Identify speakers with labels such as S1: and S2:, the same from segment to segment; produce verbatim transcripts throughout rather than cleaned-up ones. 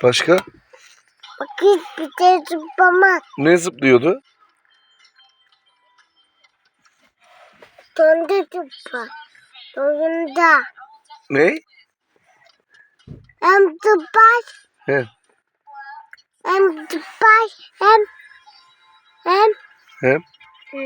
S1: Başka?
S2: Bakayım bir de zıplama.
S1: Ne zıplıyordu?
S2: Donda zıpla. Donda.
S1: Ne?
S2: Hem zıplar.
S1: He.
S2: Hem zıplar. Hem. Hem.
S1: He.
S2: Hı.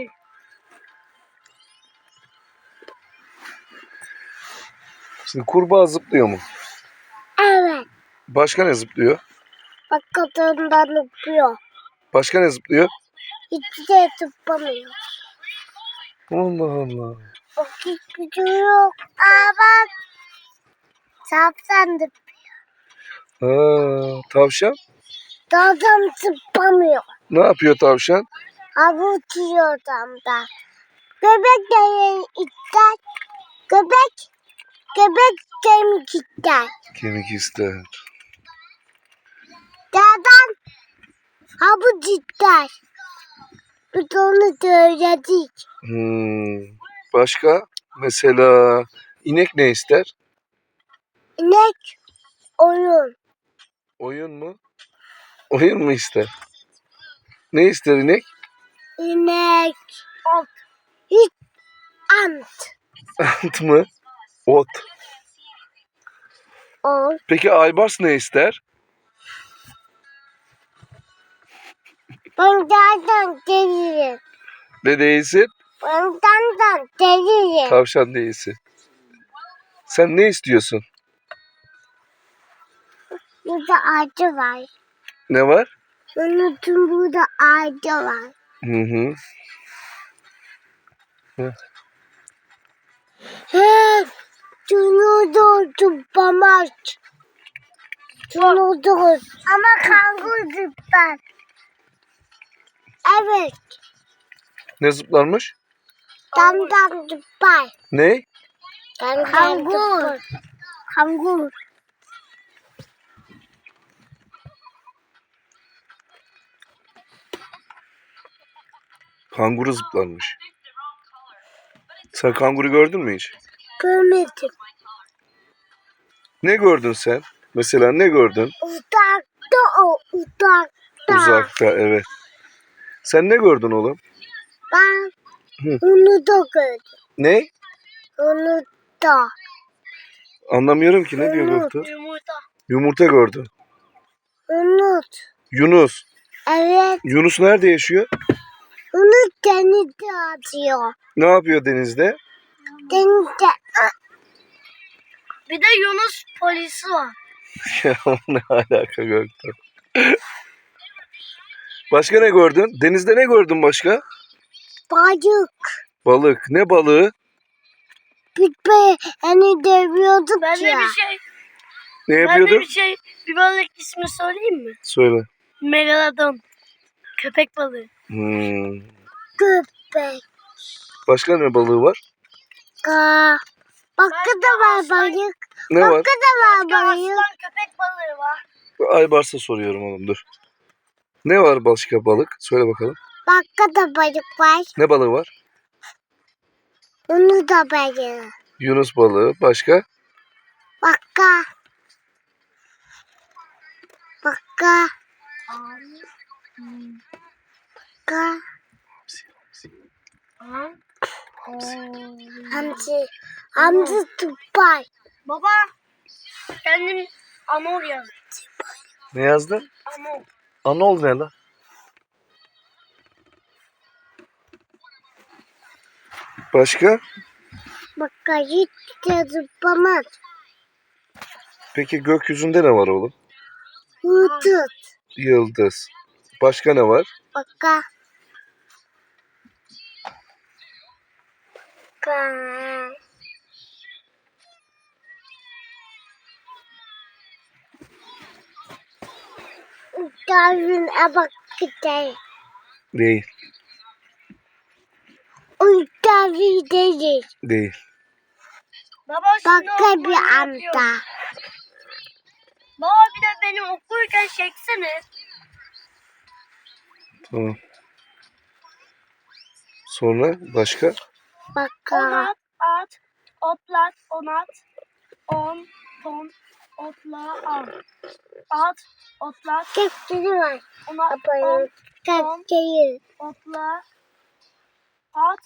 S1: Şimdi kurbağa zıplıyor mu?
S2: Evet.
S1: Başka ne zıplıyor?
S2: Bak kadından zıplıyor.
S1: Başka ne zıplıyor?
S2: Hiç de zıplamıyor.
S1: Allah Allah.
S2: Bak hiç gücü yok. Aa bak. Sapsan zıplıyor.
S1: Ha, tavşan?
S2: Dağdan zıplamıyor.
S1: Ne yapıyor tavşan?
S2: Havuç yiyor damda. Göbek de ister. Göbek. Göbek kemik ister.
S1: Kemik ister.
S2: Dağdan havuç ister. Biz onu söyledik.
S1: Hmm. Başka? Mesela inek ne ister?
S2: İnek oyun.
S1: Oyun mu? Oyun mu ister? Ne ister inek?
S2: İnek. Ot. Hiç ant.
S1: Ant mı? Ot.
S2: Ot.
S1: Peki aybars ne ister?
S2: Ben dağdan gelirim.
S1: Ne değilsin?
S2: Ben dağdan gelirim.
S1: Tavşan değilsin. Sen ne istiyorsun?
S2: Burada ağacı var.
S1: Ne var?
S2: Unutun burada ağacı var.
S1: Hı hı. Hı.
S2: He, şunu da zıplamaz. Şunu da. Ama kanguru zıplar. Evet.
S1: Ne zıplarmış?
S2: Damdan zıplar.
S1: Ne?
S2: Kanguru. Kanguru.
S1: Kanguru zıplarmış. Sen kanguru gördün mü hiç?
S2: Görmedim.
S1: Ne gördün sen? Mesela ne gördün?
S2: Uzakta o. Uzakta.
S1: Uzakta, evet. Sen ne gördün oğlum?
S2: Ben
S1: Hı.
S2: onu da gördüm.
S1: Ne?
S2: Onu da.
S1: Anlamıyorum ki, ne diyor
S2: Unut.
S1: doktor?
S2: Yumurta.
S1: Yumurta gördü.
S2: Unut.
S1: Yunus.
S2: Evet.
S1: Yunus nerede yaşıyor?
S2: Unut denizde atıyor.
S1: Ne yapıyor denizde?
S2: Denizde. Bir de Yunus polisi var.
S1: Ya ne alaka gördün? Başka ne gördün? Denizde ne gördün başka?
S2: Balık.
S1: Balık. Ne balığı?
S2: Biz be hani deviyorduk
S3: Ben de
S2: ya.
S3: bir şey,
S1: Ne
S3: ben de
S1: yapıyordun?
S3: bir şey, bir balık ismi söyleyeyim mi?
S1: Söyle.
S3: Megalodon. Köpek balığı.
S1: Hmm.
S2: Köpek.
S1: Başka ne balığı var?
S2: Ka. Bakka da var
S3: aslan-
S2: balık.
S1: Ne var?
S2: Bakka da var
S3: Başka
S2: balık.
S3: aslan köpek balığı var.
S1: Aybars'a soruyorum oğlum, dur. Ne var başka balık? Söyle bakalım.
S2: Bakka da balık var.
S1: Ne balığı var?
S2: Onu da balık.
S1: Yunus balığı. Başka?
S2: Bakka. Bakka. Bakka.
S3: Ha?
S2: Hamsi. Hamsi tupay.
S3: Baba, kendim Amor yazdım.
S1: Ne yazdın?
S3: Amor.
S1: Anol ne lan? Başka?
S2: Bakka hiç de zıplamaz.
S1: Peki gökyüzünde ne var oğlum?
S2: Hıtıt.
S1: Yıldız. Başka ne var?
S2: Bakka. Bakka. Uçağın bak gidelim.
S1: Değil.
S2: Uçağın değil.
S1: Değil.
S3: Baba şimdi
S2: Bakka
S3: okumayı
S2: bir
S3: yapıyorum.
S2: anda.
S3: Baba bir de beni okurken çeksene.
S1: Tamam. Sonra başka?
S2: Bakka.
S3: Onat, at, otlat, onat, on, ton, Otla al. At. Otla.
S2: Kepçeli var.
S3: Ona
S2: Abayım.
S3: on.
S2: Kepçeli.
S3: Otla. At.